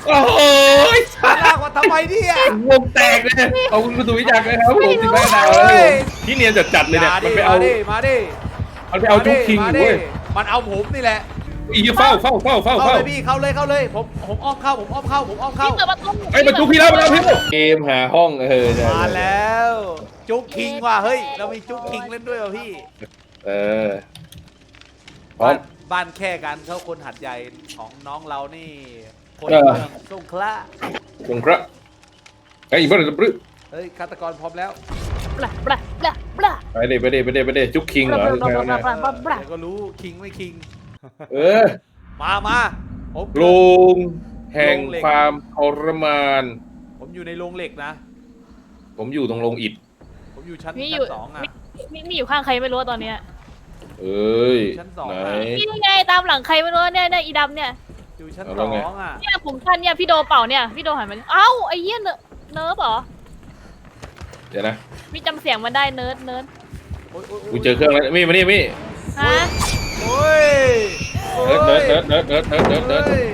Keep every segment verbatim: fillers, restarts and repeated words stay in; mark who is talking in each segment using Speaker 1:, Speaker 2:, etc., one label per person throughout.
Speaker 1: โอ้ย
Speaker 2: ลากมาทำไมเนี่ยว
Speaker 1: งแตกเลยขอบคุณคุณสุวิจักรนะครับผมสิบห้าดาวแล้วผมที่เนียนจัดๆเลยเนี่ย
Speaker 2: มา
Speaker 1: มัน
Speaker 2: ดิ
Speaker 1: ไปเอา
Speaker 2: มาดิมาดิ
Speaker 1: มันไปเอาจุกคิงอยู่เว้ย
Speaker 2: มันเอาผมนี่แหละ
Speaker 1: อีเฝ้าเฝ้าเฝ้าเฝ้า
Speaker 2: เข้า
Speaker 1: เฝ้า
Speaker 2: เลยพี่เข้าเลยเข้าเลยผมผมอ้อมเข้าผมอ้อมเข้าผมอ้อมเข้า
Speaker 3: พี่เปิดประตู
Speaker 1: ไอ้ยมันจุกพี่แล้วมันเอาพี่เกมหาห้องเออใช่
Speaker 2: มาแล้วจุ๊กคิงว่ะเฮ้ยเรามีจุ๊กคิงเล่นด้วยว่ะพี่
Speaker 1: เออพร้อ
Speaker 2: บ้าม นบ้านแค่กันเขาคนหัดใหญ่ของน้องเรานี่คน
Speaker 1: เออ
Speaker 2: เมืองสงขลา
Speaker 1: คงครับไอ้อีกบ้านปรึ๊
Speaker 2: เฮ้ยฆาตกรพร้อมแล้ว
Speaker 3: บลาบลาบลาบลา
Speaker 1: ไปเด้ไปเด้ไปเด้ไปเด้จุกคิงเหรอหรือไงวะเนี่ย
Speaker 2: เดี๋ยวก็รู้คิงไม่คิง
Speaker 1: เออ
Speaker 2: มามาผม
Speaker 1: โลงแห่งความทรมาน
Speaker 2: ผมอยู่ในโรงเหล็กนะ
Speaker 1: ผมอยู่ตรงโรงอิฐ
Speaker 2: ผมอยู่ชั้น
Speaker 3: มีอ
Speaker 2: ชั้
Speaker 3: ยู่
Speaker 2: นสองอ่ะ
Speaker 3: มีมีอยู่ข้างใครไม่รู้ตอนเนี้ย
Speaker 1: เอ้ย
Speaker 2: ชั้นสอง
Speaker 1: ไหน
Speaker 2: อะ
Speaker 3: นี่ไงตามหลังใครไม่รู้เนี่ยเนี่ยอีดำเนี่ย
Speaker 2: อยู่ชั้น
Speaker 1: เอา
Speaker 2: ส
Speaker 1: แล้
Speaker 2: อ
Speaker 1: วไง
Speaker 2: งอ่ะ
Speaker 3: เนี่ยผมทันเนี่ยพี่โดเป่าเนี่ยพี่โดหันมาเอ้าไอ้เหี้ยเนอะเนิร์ฟเหรอ
Speaker 1: เดี๋ยวนะ
Speaker 3: พี่จำเสียงมันได้เนิร์ดเนิร์ด
Speaker 2: โอ้ยโอ้ยโย
Speaker 1: กูเจอเครื่องแล้วมี่มานี่มี่
Speaker 3: ฮะ
Speaker 2: โอ้ยโอ้ย
Speaker 1: เนิร์ดเนิร์ดเนิร์ดเนิร์ดเนิร์ดเนิร์ดเนิร์ดเนิร์ด
Speaker 2: โอ้ย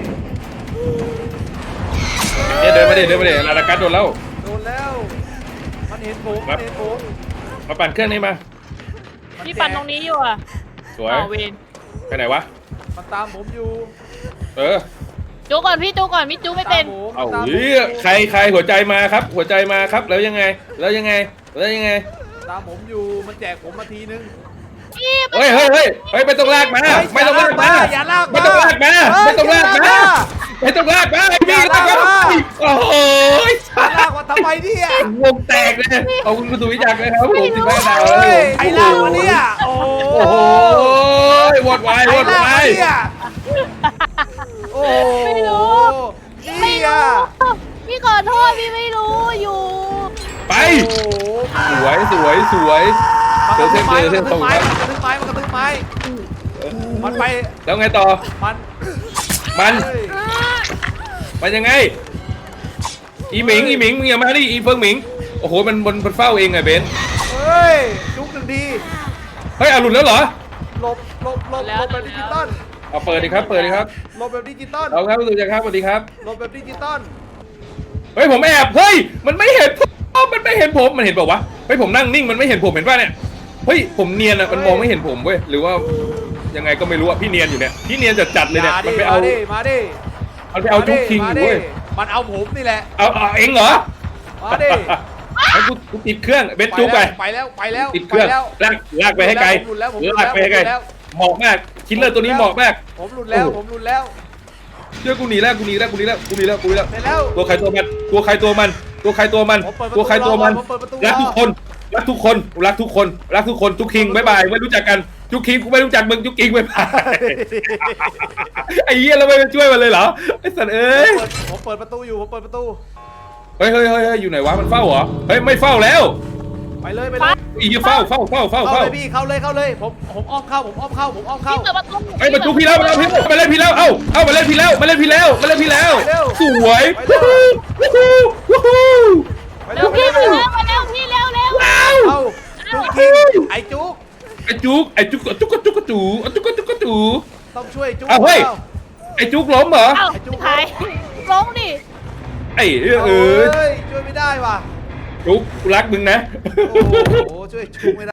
Speaker 1: เนี่ยเดินมาดิเดินมาดิลาลากัสโดนแล้ว
Speaker 2: โดนแล้ว มันเห็นผม
Speaker 1: ครั
Speaker 2: มั
Speaker 1: บ
Speaker 2: นเห็นผม
Speaker 1: มาปั่นเครื่องนี้มา
Speaker 3: พี่ปั่นตรงนี้อยู่อ่ะ
Speaker 1: สวย
Speaker 3: เอาเวน
Speaker 1: ไปไหนวะ
Speaker 2: มันตามผมอยู่
Speaker 1: เออ
Speaker 3: จูก่อนพี่จูก่อนพี่จูไม่เป็น
Speaker 2: ตามผม
Speaker 1: เอา
Speaker 2: ตามผม
Speaker 1: เฮ้ยใครใครหัวใจมาครับ หัวใจมาครับแล้วยังไง แล้วยังไงแล้วยังไง
Speaker 2: ตามผมอยู่มันแจกผมมาทีนึง
Speaker 3: พี่
Speaker 1: เฮ้ยเฮ้ยเฮ้ยเฮ้ยไม่ต้องลากมาไม่ต้องลากมา
Speaker 2: อย่าลากมา
Speaker 1: ไม่ต้องลากมา
Speaker 2: เฮ้ย
Speaker 1: ไม่ต้องลากมา
Speaker 2: อย่าลากมา
Speaker 1: ไม่ต้องลากมา
Speaker 2: อย่าลากมา
Speaker 1: โอ้โห
Speaker 2: อย่าลากมาทำไมเนี่ยว
Speaker 1: งแตกเลยขอบคุณคุณสุวิจักรนะครับผมสิบห้าดาวแล้ว
Speaker 2: เฮ้ย
Speaker 1: ผม
Speaker 2: ใครลากมาเนี่ยโอ้
Speaker 1: โอ้โหวอดวาย
Speaker 2: ใคร
Speaker 1: วอด
Speaker 2: ลาก
Speaker 1: วาม
Speaker 2: าย เนี่ยโอ้โห
Speaker 3: ไม่รู้ ไม่
Speaker 2: นี่
Speaker 3: รู้
Speaker 2: อ่ะ
Speaker 3: พี่ขอโทษพี่ไม่รู้อยู่
Speaker 1: ไป
Speaker 2: โอ้โห
Speaker 1: สวยสวยสวย
Speaker 2: มัน
Speaker 1: เจ
Speaker 2: ก
Speaker 1: อ
Speaker 2: ระ
Speaker 1: เส้
Speaker 2: ทื
Speaker 1: น
Speaker 2: บ
Speaker 1: เจ
Speaker 2: ไม้
Speaker 1: อ
Speaker 2: มัน
Speaker 1: เส้
Speaker 2: ก
Speaker 1: น
Speaker 2: ระ
Speaker 1: ต
Speaker 2: ทื
Speaker 1: รง
Speaker 2: บไม้
Speaker 1: ค
Speaker 2: มัน
Speaker 1: รับ
Speaker 2: กระทืบไม้มันกระทืบไม้ มันไป
Speaker 1: แล้วไงต่อ
Speaker 2: มัน
Speaker 1: มัน
Speaker 2: เฮ้ย
Speaker 1: มันยังไง อีหมิงอีหมิงมึงอย่ามาดิอีเฟิงหมิงโอ้โหมันมันมันเฝ้าเองไงเบนซ์
Speaker 2: เฮ้ยจุกหนึ่งที
Speaker 1: เฮ้ยเอาหลุดแล้วเหรอ
Speaker 2: หลบหลบหลบหลบแบบดิจิตอล
Speaker 1: เอาเปิดดิครับเปิดดิครับ
Speaker 2: หลบแบบดิจิตอล
Speaker 1: เอาครับคุณสุจักรครับสวัสดีครับ
Speaker 2: หลบแบบดิจิตอล
Speaker 1: เฮ้ยผมแอบเฮ้ยมันไม่เห็นผมมันไม่เห็นผมมันเห็นเปล่าวะเฮ้ยผมนั่งนิ่งมันไม่เห็นผมเห็นป่ะเนี่ยเฮ้ยผมเนียนอ่ะมันมองไม่เห็นผมเว้ยหรือว่ายังไงก็ไม่รู้อ่ะพี่เนียนอยู่เนี่ยพี่เนียนจัดจัดๆเลยเนี่ย
Speaker 2: มา
Speaker 1: มัน
Speaker 2: ดิ
Speaker 1: ไปเอา
Speaker 2: มาดิมาดิ
Speaker 1: มันไปเอาจุกคิงอยู่เว้ย
Speaker 2: มันเอาผมนี่แหละ
Speaker 1: เอาเอาเองเหรอ
Speaker 2: มาดิ
Speaker 1: ให้กูกูติดเครื่องเบนซ์จุกไป
Speaker 2: ไปแล้วไปแล้ว
Speaker 1: ติดเครื่อง
Speaker 2: ไปแล้ว
Speaker 1: ลากลากไปให้ไกล
Speaker 2: ผมหลุดแล้วผมหลุด
Speaker 1: ลากไปให้ไกล
Speaker 2: แล้ว
Speaker 1: เหมาะมากคิลเลอร์ตัวนี้เหมาะมาก
Speaker 2: ผมหลุดแล้วผมหลุดแล้ว
Speaker 1: เชื่อกูหนีแล้วกูหนีแล้วกูหนีแล้วกูหนีแล้วกูหนีแล้ว
Speaker 2: เสร็จแล้ว
Speaker 1: ตัวใครตัวมันตัวใครตัวมัน ตัวใครตัวมัน
Speaker 2: ผมเปิดประตู
Speaker 1: ตัวใครตัวมัน
Speaker 2: ผมเปิดประตู
Speaker 1: รักทุกคนรักทุกคนรักทุกคนรักทุกคนจุกคิงบ๊ายบายไม่รู้จักกันจุกคิงกูไม่รู้จักมึงจุกคิงบ๊ายบายไอ้เหี้ยแล้วไม่ไปช่วยมันเลยเหรอไอ้สัตว์เอ้ย
Speaker 2: ผมเปิดประตูอยู่ผมเปิดประตู
Speaker 1: เฮ้ยเฮ้ยเฮ้ยเฮ้ยอยู่ไหนวะมันเฝ้าเหรอเฮ้ยไม่เฝ้าแล้ว
Speaker 2: ไปเลยไปเลย
Speaker 1: อีเฝ้าเฝ้าเฝ้าเฝ้า
Speaker 2: เข้า
Speaker 1: เฝ้า
Speaker 2: เลยพี่เข้าเลยเข้าเลยผมผมอ้อมเข้าผมอ้อมเข้าผมอ้อมเข้า
Speaker 3: พี่เปิดประตู
Speaker 1: ไอ้ยมาจุกพี่แล้วมาแล้วพี่มาเล่นพี่แล้วเอ้าเอ้ามาเล่นพี่แล้วมาเล่นพี่แล้วมาเล่นพี่แล้ว
Speaker 2: ไปเร็ว
Speaker 1: สวย
Speaker 2: ไปเร็ว
Speaker 1: วู้ฮู้วู้ฮู้
Speaker 2: ไป
Speaker 3: เร็
Speaker 2: เร็
Speaker 3: ว
Speaker 2: วไป
Speaker 3: พี่
Speaker 2: เร็ว
Speaker 3: เร็วมาเร็วพี่เร็วเร็ว
Speaker 1: ว้าว
Speaker 2: เอาจุกคิงไอ้จุก
Speaker 1: ไอ้จุกไอ้จุกจุกจุกจูจุกจุกจู
Speaker 2: ต้องช่วยจุก
Speaker 1: เอาเฮ้ย ไอ้จุกล้มเหรอ
Speaker 3: เอ้าหายร้องดิ
Speaker 1: ไอ้เออเอ
Speaker 2: เอ้
Speaker 1: อย
Speaker 2: ช่วยไม่ได้ว่ะ
Speaker 1: จุกกูรักมึงนะ
Speaker 2: โอ้โหช่วยจุกไม่ได้